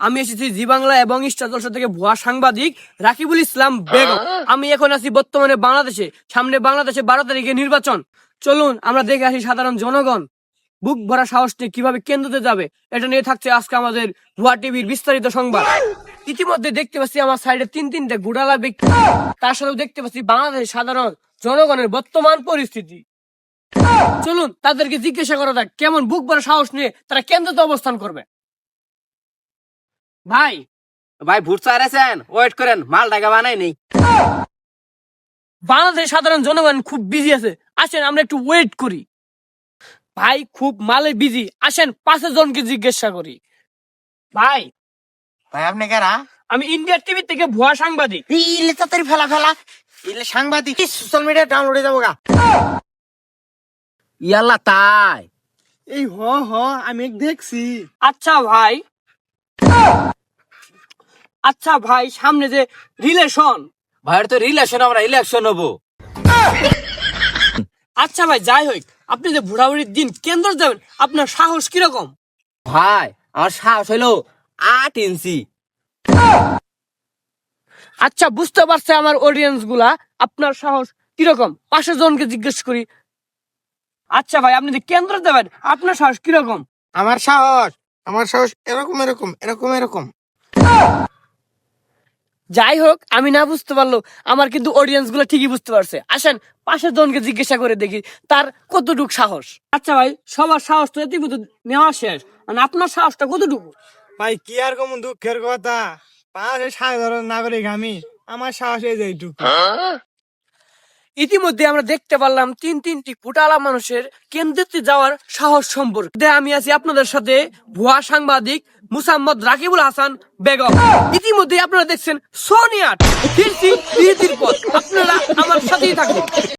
আমি এসেছি জি বাংলা এবং স্টার জলসা থেকে ভুয়া সাংবাদিক রাকিবুল ইসলাম বেগম। আমি এখন আছি বর্তমানে বাংলাদেশে। সামনে বাংলাদেশে 12 তারিখে নির্বাচন। চলুন আমরা দেখে আসি সাধারণ জনগণ বুক ভরা সাহস নিয়ে কিভাবে কেন্দ্রতে যাবে। এটা নিয়ে থাকছে আজকে আমাদের ভুয়া টিভির বিস্তারিত সংবাদ। ইতিমধ্যে দেখতে পাচ্ছি আমার সাইডে তিনটে গুড়ালা ব্যক্তি, তার সাথেও দেখতে পাচ্ছি বাংলাদেশের সাধারণ জনগণের বর্তমান পরিস্থিতি। চলুন তাদেরকে জিজ্ঞাসা করা যাক কেমন বুক ভরা সাহস নিয়ে তারা কেন্দ্রতে অবস্থান করবে। ভাই ভাই ভোট চাইছেন, ওয়েট করেন, মাল টাকা বানাই নেই। বাংলাদেশের সাধারণ জনগণ খুব বিজি আছে, আসেন আমরা একটু ওয়েট করি। ভাই খুব মালে বিজি, আসেন 5 জনকে জিজ্ঞাসা করি। ভাই ভাই আপনি কারা? আমি ইন্ডিয়া টিভি থেকে ভুয়া সাংবাদিক। ইলে তাড়াতাড়ি ফেলা ইলে সাংবাদিক সোশ্যাল মিডিয়া ডাউনলোডে যাবো গা। ইয়াল্লা তাই এই আমি দেখছি। আচ্ছা ভাই সামনে যে রিলেশন, ভাইয়ের তো রিলেশন, আমরা ইলেকশন হবো। আচ্ছা ভাই যাই হোক, আপনি যে ভোটাভুটির দিন কেন্দ্র যাবেন, আপনার সাহস কিরকম? ভাই আমার সাহস হইলো 8 ইঞ্চি। আচ্ছা বুঝতে পারছে আমার অডিয়েন্স গুলা আপনার সাহস কিরকম। 5 জনকে জিজ্ঞেস করি। আচ্ছা ভাই আপনি যে কেন্দ্র যাবেন, আপনার সাহস কিরকম? আমার সাহস এরকম। যাই হোক, আমি না বুঝতে পারলো আমার কিন্তু অডিয়েন্স গুলো ঠিকই বুঝতে পারছে। আসেন 5 জনকে জিজ্ঞাসা করে দেখি তার কতটুক সাহস। আচ্ছা ভাই সবার সাহস তো ইতিমধ্যে নেওয়া শেষ, মানে আপনার সাহসটা কতটুকু? ভাই কি আর কম দুঃখের কথা, বাংলাদেশের সাধারণ নাগরিক আমি, আমার সাহস এই যে এইটুকু। ইতিমধ্যে আমরা দেখতে পারলাম তিনটি ফুটালা মানুষের কেন্দ্রে যাওয়ার সাহস সম্পর্কে। আমি আছি আপনাদের সাথে ভুয়া সাংবাদিক মুসাম্মদ রাকিবুল হাসান বেগম। ইতিমধ্যে আপনারা দেখছেন সোনিয়া ফিরছি বিরতির পর, আপনারা আমার সাথেই থাকুন।